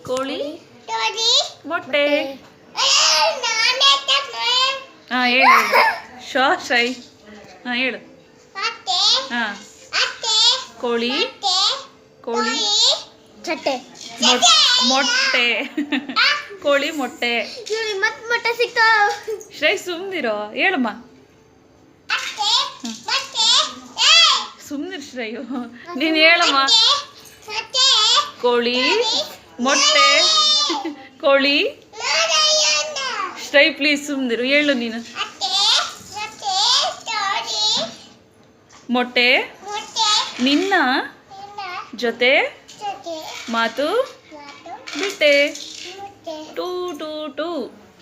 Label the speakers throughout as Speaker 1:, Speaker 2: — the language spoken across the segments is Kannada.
Speaker 1: ಕೋಳಿ ಮೊಟ್ಟೆ. ಹಾಂ ಹೇಳು ಶೈ. ಹಾಂ ಹೇಳು. ಹಾಂ ಕೋಳಿ ಕೋಳಿ ಮೊಟ್ಟೆ ಕೋಳಿ ಮೊಟ್ಟೆ.
Speaker 2: ಮೊಟ್ಟೆ ಸಿಗ್ತಾವ.
Speaker 1: ಶ್ರೈ ಸುಮ್ನಿರೋ ಹೇಳಮ್ಮ. ಸುಮ್ನಿರ್ ಶ್ರೇಯು ನೀನು ಹೇಳಮ್ಮ. ಕೋಳಿ ಮೊಟ್ಟೆ ಕೋಳಿ. ಶ್ರೈ ಪ್ಲೀಸ್ ಸುಮ್ನಿರು ಹೇಳು ನೀನು. ಮೊಟ್ಟೆ ನಿನ್ನ ಜೊತೆ ಮಾತು ಬಿಟ್ಟೆ. ಟೂ ಟೂ ಟೂ.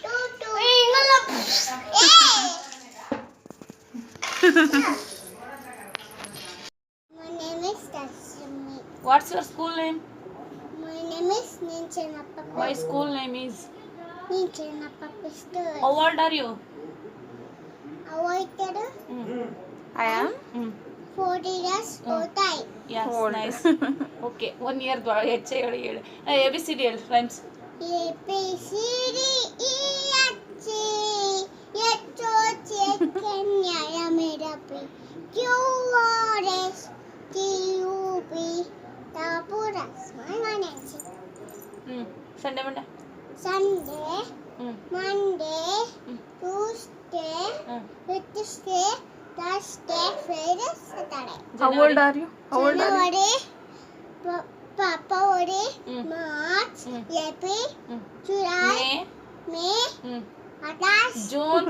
Speaker 1: What's your school name?
Speaker 2: My name is Ninchanappa.
Speaker 1: My school name is.
Speaker 2: Ninchanappa Pistol.
Speaker 1: How old are you?
Speaker 2: Avoided
Speaker 1: I am
Speaker 2: 40 years old.
Speaker 1: Yes, nice. Okay, 1 year ಹೆಚ್ಚೆ ಹೇಳಿ ಹೇಳು. ABCD ಹೇಳು rhymes.
Speaker 2: A B C D E F G H O J K L M N O P Q R S T U V W X Y Z.
Speaker 1: Sunday Monday.
Speaker 2: Sunday, Monday, Tuesday, Wednesday, Thursday, Friday, Saturday.
Speaker 1: How old are you?
Speaker 2: January, February, March, April, July, May, August,
Speaker 1: June,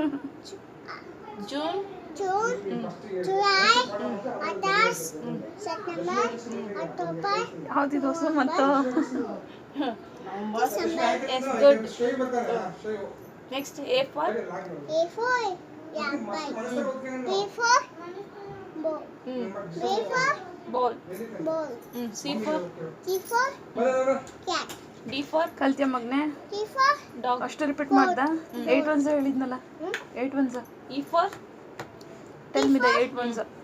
Speaker 2: July, August, September, October,
Speaker 1: ಯಾವ್ದಿದು ಮತ್ತು
Speaker 2: December.
Speaker 1: Yes, good. Next, A for
Speaker 2: A4, yeah, B for ball. B for
Speaker 1: ball.
Speaker 2: ball.
Speaker 1: C for
Speaker 2: C for cat.
Speaker 1: D for
Speaker 3: ಕಲ್ತ್ಯ ಮಗ್ನೆ
Speaker 2: D for
Speaker 1: dog.
Speaker 3: ಅಷ್ಟು ರಿಪೀಟ್ ಮಾಡ್ದ 8 ones ಹೇಳಿದ್ನಲ್ಲ 8 ones
Speaker 1: E for
Speaker 3: tell me the 8 ones